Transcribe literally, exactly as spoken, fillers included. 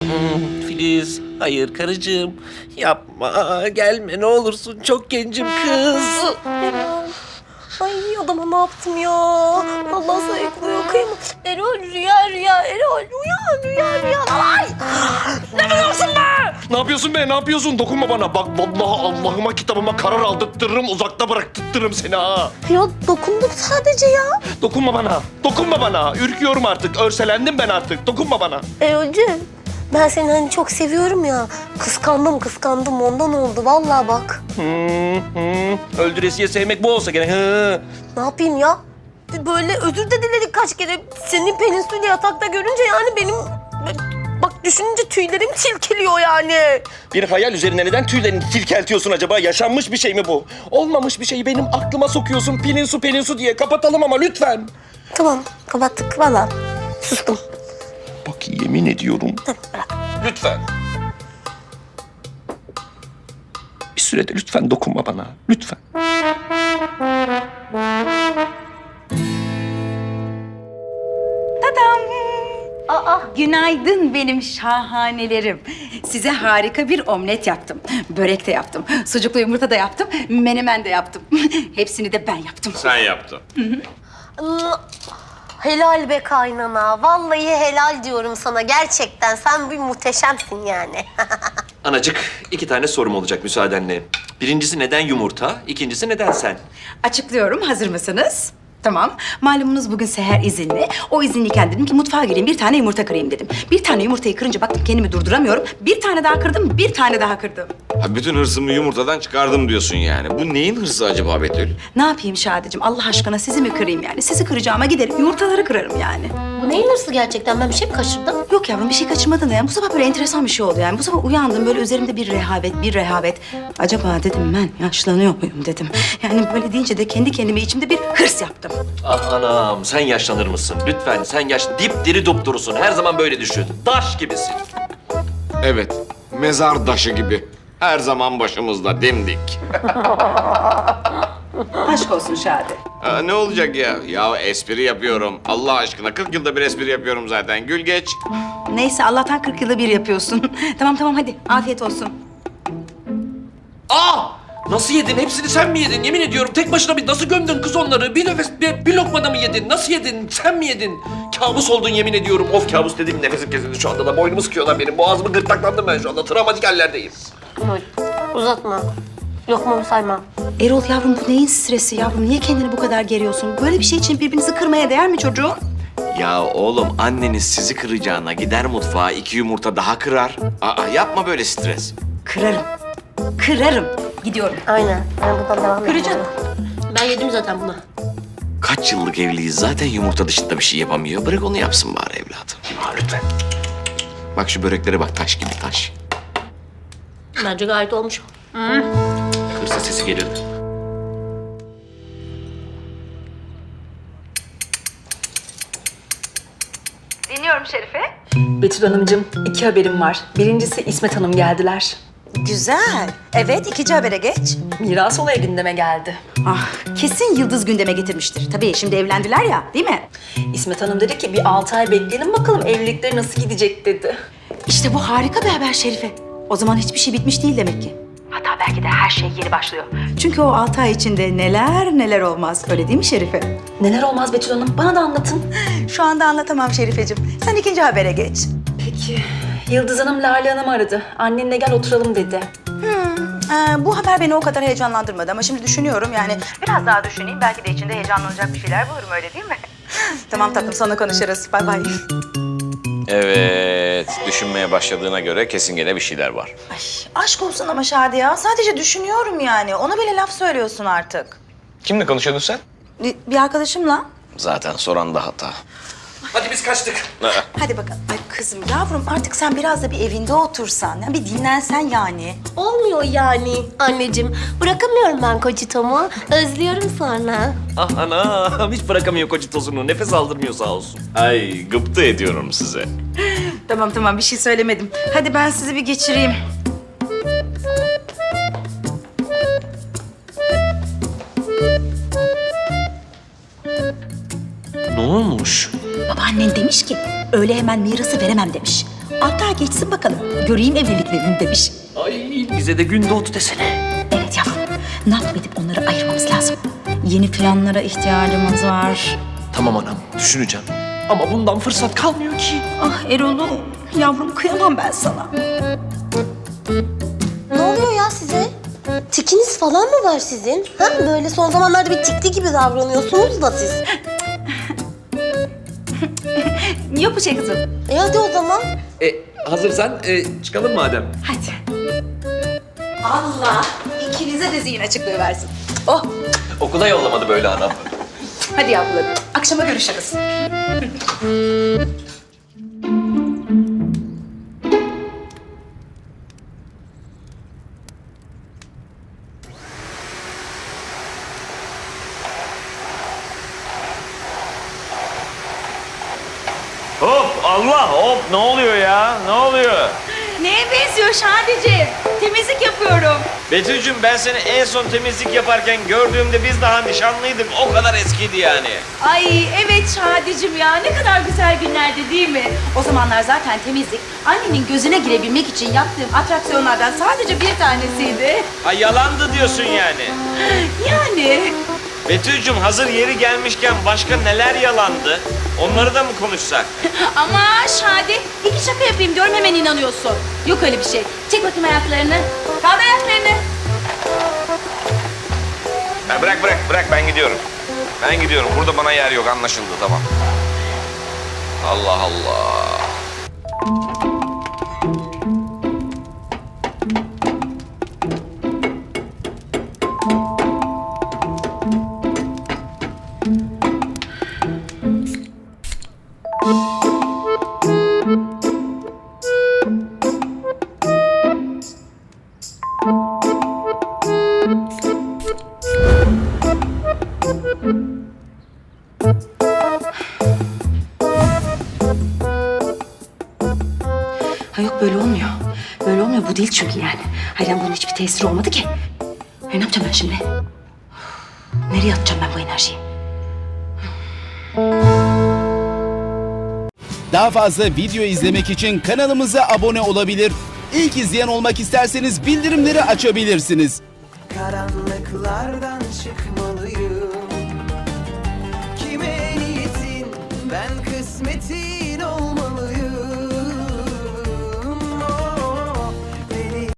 Hmm, Filiz, hayır karıcığım. Yapma, gelme ne olursun. Çok gencim kız. Erol. Ay adama ne yaptım ya? Allah sayıklıyor kıyma. Erol rüya rüya. Erol uyan rüya rüya. Ay! Ne biliyorsun be? Ne yapıyorsun be? Ne yapıyorsun? Dokunma bana. Bak vallahi Allah'ıma kitabıma karar aldırtırırım. Uzakta bıraktırırım seni ha. Ya dokunduk sadece ya. Dokunma bana. Dokunma bana. Ürküyorum artık. Örselendim ben artık. Dokunma bana. Erol'cığım ben seni hani çok seviyorum ya. Kıskandım kıskandım ondan oldu vallahi bak. Hmm, hmm. Öldüresiye sevmek bu olsa gene. Hı. Ne yapayım ya? Böyle özür de diledik kaç kere. Senin Pelinsu'yu yatakta görünce yani benim... Bak düşününce tüylerim silkeliyor yani. Bir hayal üzerine neden tüylerini silkeltiyorsun acaba? Yaşanmış bir şey mi bu? Olmamış bir şeyi benim aklıma sokuyorsun. Pelin su pelin su diye kapatalım ama lütfen. Tamam kapattık valla. Sustum. Bak yemin ediyorum. Lütfen. Bir sürede lütfen dokunma bana. Lütfen. Aa, günaydın benim şahanelerim. Size harika bir omlet yaptım. Börek de yaptım. Sucuklu yumurta da yaptım. Menemen de yaptım. Hepsini de ben yaptım. Sen yaptın. Helal be kaynana. Vallahi helal diyorum sana. Gerçekten sen bir muhteşemsin yani. Anacık, iki tane sorum olacak müsaadenle. Birincisi neden yumurta? İkincisi neden sen? Açıklıyorum. Hazır mısınız? Tamam. Malumunuz bugün Seher izinli. O izinliyken dedim ki mutfağa gireyim bir tane yumurta kırayım dedim. Bir tane yumurtayı kırınca baktım kendimi durduramıyorum. Bir tane daha kırdım, bir tane daha kırdım. Ha, bütün hırsımı yumurtadan çıkardım diyorsun yani. Bu neyin hırsı acaba Betül? Ne yapayım Şadeciğim? Allah aşkına sizi mi kırayım yani? Sizi kıracağıma giderim yumurtaları kırarım yani. Bu neyin hırsı gerçekten? Ben bir şey mi kaçırdım? Yok yavrum bir şey kaçırmadın da yani. Bu sabah böyle enteresan bir şey oldu yani. Bu sabah uyandım böyle üzerimde bir rehavet, bir rehavet. Acaba dedim ben yaşlanıyor muyum dedim. Yani böyle deyince de kendi kendime içimde bir hırs yaptım. Ah anam, sen yaşlanır mısın? Lütfen sen yaşlı, dipdiri dupdurusun. Her zaman böyle düşün. Taş gibisin. Evet, mezar taşı gibi. Her zaman başımızda dimdik. Aşk olsun Şadi. Ha, ne olacak ya? Ya espri yapıyorum. Allah aşkına kırk yılda bir espri yapıyorum zaten. Gül geç. Neyse Allah'tan kırk yılda bir yapıyorsun. Tamam tamam hadi afiyet olsun. Aa! Nasıl yedin? Hepsini sen mi yedin? Yemin ediyorum tek başına bir nasıl gömdün kız onları? Bir nefes, bir, bir lokmada mı yedin? Nasıl yedin? Sen mi yedin? Kabus oldun yemin ediyorum. Of kabus dediğim nefesim kesildi şu anda da. Boynumu sıkıyorlar benim. Boğazımı gırtlaklandım ben şu anda. Travmatik hallerdeyim. Erol uzatma. Lokmamı sayma. Erol yavrum bu neyin stresi yavrum? Niye kendini bu kadar geriyorsun? Böyle bir şey için birbirinizi kırmaya değer mi çocuğum? Ya oğlum anneniz sizi kıracağına gider mutfağa iki yumurta daha kırar. Aa yapma böyle stres. Kırarım. Kırarım. Gidiyorum. Aynen. Ben buradan devam edeceğim. Kıracağım. Ben yedim zaten bunu. Kaç yıllık evliyiz zaten yumurta dışında bir şey yapamıyor. Bırak onu yapsın bari evladım. Ha, lütfen. Bak şu böreklere bak taş gibi taş. Bence gayet olmuş. Hırsa sesi gelirdi. Dinliyorum Şerife. Betül Hanımcığım, iki haberim var. Birincisi İsmet Hanım geldiler. Güzel. Evet, ikinci habere geç. Miras olayı gündeme geldi. Ah, kesin Yıldız gündeme getirmiştir. Tabii şimdi evlendiler ya, değil mi? İsmet Hanım dedi ki bir altı ay bekleyelim bakalım evlilikleri nasıl gidecek dedi. İşte bu harika bir haber Şerife. O zaman hiçbir şey bitmiş değil demek ki. Hatta belki de her şey yeni başlıyor. Çünkü o altı ay içinde neler neler olmaz. Öyle değil mi Şerife? Neler olmaz Betül Hanım, bana da anlatın. Şu anda anlatamam Şerifeciğim. Sen ikinci habere geç. Peki, Yıldız Hanım Lale Hanım'ı aradı. Annenle gel oturalım dedi. Ee, bu haber beni o kadar heyecanlandırmadı ama şimdi düşünüyorum yani. Biraz daha düşüneyim. Belki de içinde heyecanlanacak bir şeyler bulurum öyle değil mi? Tamam tatlım sonra konuşuruz. Bay bay. Evet, düşünmeye başladığına göre kesin gene bir şeyler var. Ay, aşk olsun ama Şadi ya. Sadece düşünüyorum yani. Ona bile laf söylüyorsun artık. Kimle konuşuyordun sen? Bir, bir arkadaşımla. Zaten soran da hata. Hadi biz kaçtık. Hadi bakalım. Ay kızım yavrum artık sen biraz da bir evinde otursan. Ya bir dinlensen yani. Olmuyor yani anneciğim. Bırakamıyorum ben kocitomu. Özlüyorum sonra. Ah anam, hiç bırakamıyor kocitosunu. Nefes aldırmıyor sağ olsun. Ay, gıpta ediyorum size. Tamam tamam bir şey söylemedim. Hadi ben sizi bir geçireyim. Ne olmuş? Babaannen demiş ki öyle hemen mirası veremem demiş. Altı ay geçsin bakalım. Göreyim evliliklerini demiş. Ay bize de gün doğdu desene. Evet yavrum. Ne yapıp edip onları ayırmamız lazım. Yeni planlara ihtiyacımız var. Tamam anam düşüneceğim. Ama bundan fırsat kalmıyor ki. Ah Erol'um, yavrum kıyamam ben sana. Ne oluyor ya size? Tikiniz falan mı var sizin? Ha? Böyle son zamanlarda bir tikli gibi davranıyorsunuz da siz. Yok bir şey kızım. E hadi o zaman. E, hazırsan e, çıkalım madem. Hadi. Allah ikinize de zihin açıklığı versin. Oh, Okula yollamadı böyle anam. hadi yavrularım. Akşama görüşürüz. Hop Allah hop ne oluyor ya? Ne oluyor? Neye benziyor Şadiciğim? Temizlik yapıyorum. Betül'cüm ben seni en son temizlik yaparken gördüğümde biz daha nişanlıydık. O kadar eskiydi yani. Ay evet Şadiciğim ya ne kadar güzel günlerdi değil mi? O zamanlar zaten temizlik annenin gözüne girebilmek için yaptığım atraksiyonlardan sadece bir tanesiydi. Ha yalandı diyorsun yani. Yani Betül'cüm hazır yeri gelmişken başka neler yalandı? Onları da mı konuşsak? ama Şadi iki şaka yapayım diyorum hemen inanıyorsun. Yok öyle bir şey. Çek bakayım ayaklarını. Kaldır ayaklarını. Ha, bırak bırak bırak ben gidiyorum. Ben gidiyorum. Burada bana yer yok anlaşıldı tamam. Allah Allah. Ha yok böyle olmuyor. Böyle olmuyor bu değil çünkü yani. Hayır bunun hiçbir tesiri olmadı ki. E, ne yapacağım ben şimdi? Nereye atacağım ben bu enerjiyi? Daha fazla video izlemek için kanalımıza abone olabilir. İlk izleyen olmak isterseniz bildirimleri açabilirsiniz. Karanlıklardan çıkmalıyım. Kime niyetin ben